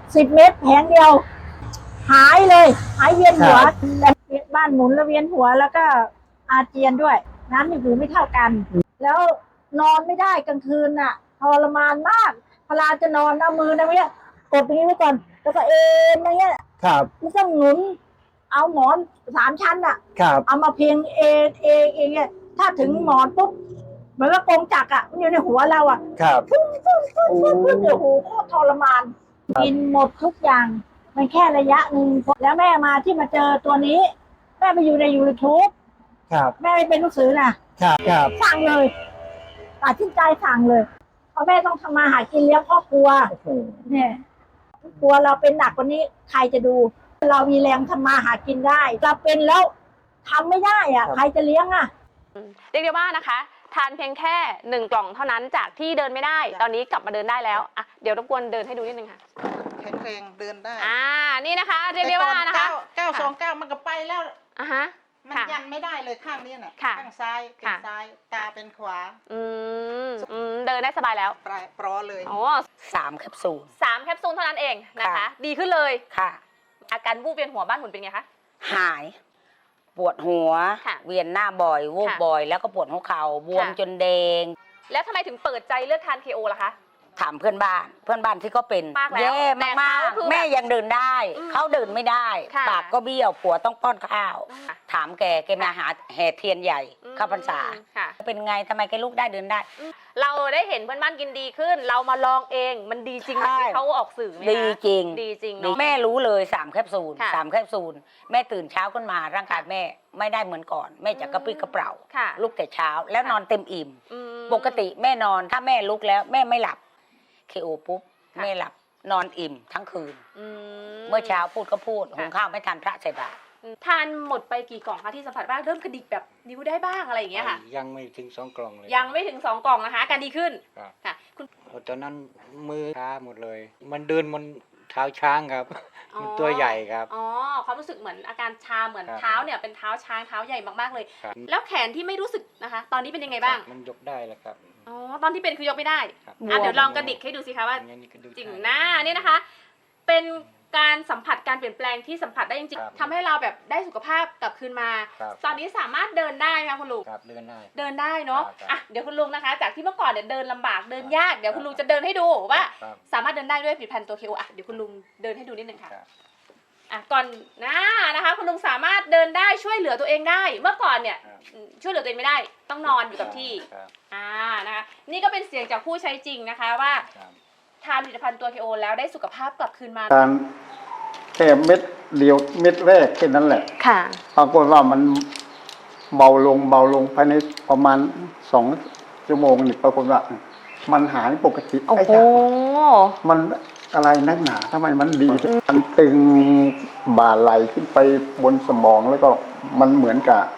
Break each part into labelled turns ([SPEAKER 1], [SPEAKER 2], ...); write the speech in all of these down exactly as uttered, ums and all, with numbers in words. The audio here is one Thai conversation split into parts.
[SPEAKER 1] สิบเม็ดแผงเดียวหายเลยหายเวียนหัวแต่บ้านหมุนแล้วเวียนหัวแล้วก็อาเจียนด้วยน้ำในหูไม่เท่ากันแล้วนอนไม่ได้กลางคืนน่ะทรมานมากเวลาจะนอนเอามือนะเนี้ยกดตรงนี้ไว้ก่อนแล้วก็เอ็นอย่างเงี้ย
[SPEAKER 2] ครับ
[SPEAKER 1] ไม่ต้องหนุนเอาหมอนสามชั้นอ่ะ
[SPEAKER 2] ครับ
[SPEAKER 1] เอามาเพียงเองเองเองเนี่ยถ้าถึงหมอนปุ๊บเหมือนกับกงจักรอ่ะมันอยู่ในหัวเราอ่ะ
[SPEAKER 2] ครับ
[SPEAKER 1] ฟึ้งฟึ้งฟึ้งฟึ้งฟึ้งโอ้โหโคตรทรมานกินหมดทุกอย่างมันแค่ระยะหนึ่งแล้วแม่มาที่มาเจอตัวนี้แม่ไปอยู่ในยูทูบ
[SPEAKER 2] ครับ
[SPEAKER 1] แม่ไม่เป็นหนังสือนะครับ
[SPEAKER 2] ครับ
[SPEAKER 1] สั่งเลยตัดสินใจสั่งเลยเพราะแม่ต้องทำมาหากินเลี้ยงครอบครัวเนี่ยครัวเราเป็นหนักกว่านี้ใครจะดูเรามีแรงทำมาหากินได้เราเป็นแล้วทำไม่ได้อ่ะใครจะเลี้ยงอ่ะ
[SPEAKER 3] เรียกได้ว่านะคะทานเพียงแค่หนึ่งกล่องเท่านั้นจากที่เดินไม่ได้ตอนนี้กลับมาเดินได้แล้วอ่ะเดี๋ยวรบกวนเดินให้ดูนิดนึงค่ะ
[SPEAKER 4] แข็งแรงเดินได้
[SPEAKER 3] อ่านี่นะคะเรียกได้ว่านะคะ
[SPEAKER 4] เก้าสองเก้ามันก็ไปแล้ว
[SPEAKER 3] อ่ะฮะ
[SPEAKER 4] มันยันไม่ได้เลยข้างนี้น่ะข้างซ้ายเป็นซ้ายตาเป็นขวา
[SPEAKER 3] อืมอืมเดินได้สบายแล้ว
[SPEAKER 4] ปลายปลอเลย
[SPEAKER 3] โอ้
[SPEAKER 5] สามแคปซูล
[SPEAKER 3] สามแคปซูลเท่านั้นเองนะคะดีขึ้นเลย
[SPEAKER 5] ค่ะ
[SPEAKER 3] อาการวูบเวียนหัวบ้านหมุนเป็นไงคะ
[SPEAKER 5] หายปวดหัวเวียนหน้าบ่อยวูบบ่อยแล้วก็ปวดหัวเข่าบวมจนแดง
[SPEAKER 3] แล้วทำไมถึงเปิดใจเลือกทาน เค โอ ล่ะคะ
[SPEAKER 5] ถามเพื่อนบ้านเพื่อนบ้านที่ก็เป็นแย่มากๆแม่ยังเดินได้เขาเดินไม่ได้ปากก็เบี้ยวผัวต้องป้อนข้าวถามแกแกมาหาแห่เทียนใหญ่เข้าพรรษาเป็นไงทำไมแกลุกได้เดินได้
[SPEAKER 3] เราได้เห็นเพื่อนบ้านกินดีขึ้นเรามาลองเองมันดีจริงที่เขาออกสื่อไหม
[SPEAKER 5] ดีจริง
[SPEAKER 3] ดีจริง
[SPEAKER 5] แม่รู้เลยสามแคปซูลสามแคปซูลแม่ตื่นเช้าขึ้นมาร่างกายแม่ไม่ได้เหมือนก่อนแม่จะกระปรี้กระเปร่าลุกแต่เช้าแล้วนอนเต็มอิ่มปกติแม่นอนถ้าแม่ลุกแล้วแม่ไม่หลับเคโอปุ๊บแม่หลับนอนอิ่มทั้งคืนเมื่อเช้าพูดก็พูดหุงข้าวไม่ทันพระใส่บาตร
[SPEAKER 3] ทานหมดไปกี่กล่องคะที่สัมผัสบ้างเริ่มกระดิกแบบนิ้วได้บ้างอะไรอย่างเงี้ยค่ะ
[SPEAKER 2] ยังไม่ถึงสองกล่องเลย
[SPEAKER 3] ยังไม่ถึงสองกล่องนะคะการดีขึ้นค่ะ
[SPEAKER 2] คุณตอนนั้นมือช้าหมดเลย มันเดินมันเท้าช้างครับมันตัวใหญ่ครับ
[SPEAKER 3] อ๋อความรู้สึกเหมือนอาการชาเหมือนเท้าเนี่ยเป็นเท้าช้างเท้าใหญ่มากๆเลยแล้วแขนที่ไม่รู้สึกนะคะตอนนี้เป็นยังไงบ้าง
[SPEAKER 2] มันยกได้แล้วครับ
[SPEAKER 3] อ๋อตอนที่เป็นคือยกไม่ได้อ่ะเดี๋ยวลองกระดิกให้ดูสิคะว่าจริงหน้าเนี่ยนะคะเป็นการสัมผัสการเปลี่ยนแปลงที่สัมผัสได้จริงๆทำให้เราแบบได้สุขภาพกลับคืนมาตอนนี้สามารถเดินได้ไหมคะคุณลุง
[SPEAKER 2] ครับเดินได้
[SPEAKER 3] เดินได้เนาะอ่ะเดี๋ยวคุณลุงนะคะจากที่เมื่อก่อนเนี่ยเดินลำบากเดินยากเดี๋ยวคุณลุงจะเดินให้ดูว่าสามารถเดินได้ด้วยผลิตภัณฑ์ตัว เค โอ อ่ะเดี๋ยวคุณลุงเดินให้ดูนิดนึงค่ะอ่ะก่อนหน้านะคะคุณลุงสามารถเดินได้ช่วยเหลือตัวเองได้เมื่อก่อนเนี่ยช่วยเหลือตัวเองไม่ได้ต้องนอนอยู่กับที่อ่านะคะนี่ก็เป็นเสียงจากผู้ใช้จริงนะคะว่าทานผลิตภัณฑ์ตัว เค โอ แล้วได้สุขภาพกลับคืนมา
[SPEAKER 6] ทานแค่เม็ดเดียวเม็ดแรกแค่นั้นแหละ
[SPEAKER 3] ค่ะ
[SPEAKER 6] ปรากฏว่ามันเบาลงเบาลงภายในประมาณสองชั่วโมงนี่ปรากฏว่ามันหายปกติ
[SPEAKER 3] โอ้โห
[SPEAKER 6] มันอะไรนักหนาทำไมมันดีมันตึงบ่าไหลขึ้นไปบนสมองแล้วก็มันเหมือนกับ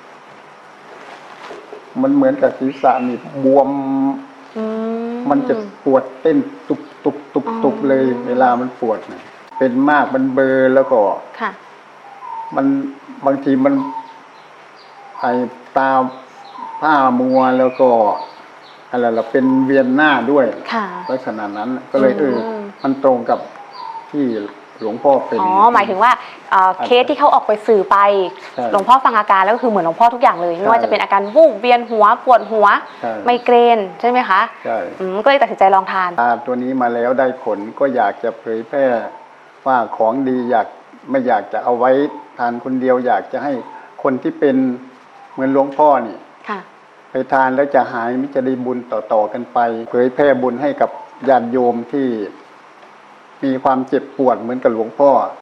[SPEAKER 6] มันเหมือนกับศีรษะนี่บวมมันจะปวดเต้นตุบตุบตุบตุบเลยเวลามันปวดเนี่ยเป็นมากมันเบลอแล้วก็
[SPEAKER 3] ค่ะ
[SPEAKER 6] มันบางทีมันไอตาผ้ามัวแล้วก็อะไรล่ะเป็นเวียนหน้าด้วยลักษณะนั้นก็เลยเออมันตรงกับที่หลวงพ่อเป็น
[SPEAKER 3] อ๋อหมายถึงว่าเคสที่เขาออกไปสื่อไปหลวงพ่อฟังอาการแล้วก็คือเหมือนหลวงพ่อทุกอย่างเลยไม่ว่าจะเป็นอาการวูบเวียนหัวปวดหัวไมเกรนใช่ไหมคะ
[SPEAKER 6] ใช่
[SPEAKER 3] ก็เลยตัดสินใจลองทาน
[SPEAKER 6] ตัวนี้มาแล้วได้ผลก็อยากจะเผยแพร่ว่าของดีอยากไม่อยากจะเอาไว้ทานคนเดียวอยากจะให้คนที่เป็นเหมือนหลวงพ่อนี่ไปทานแล้วจะหายมิจะได้บุญต่อๆกันไปเผยแพร่บุญให้กับญาติโยมที่มีความเจ็บปวดเหมือนกับหลวงพ่อ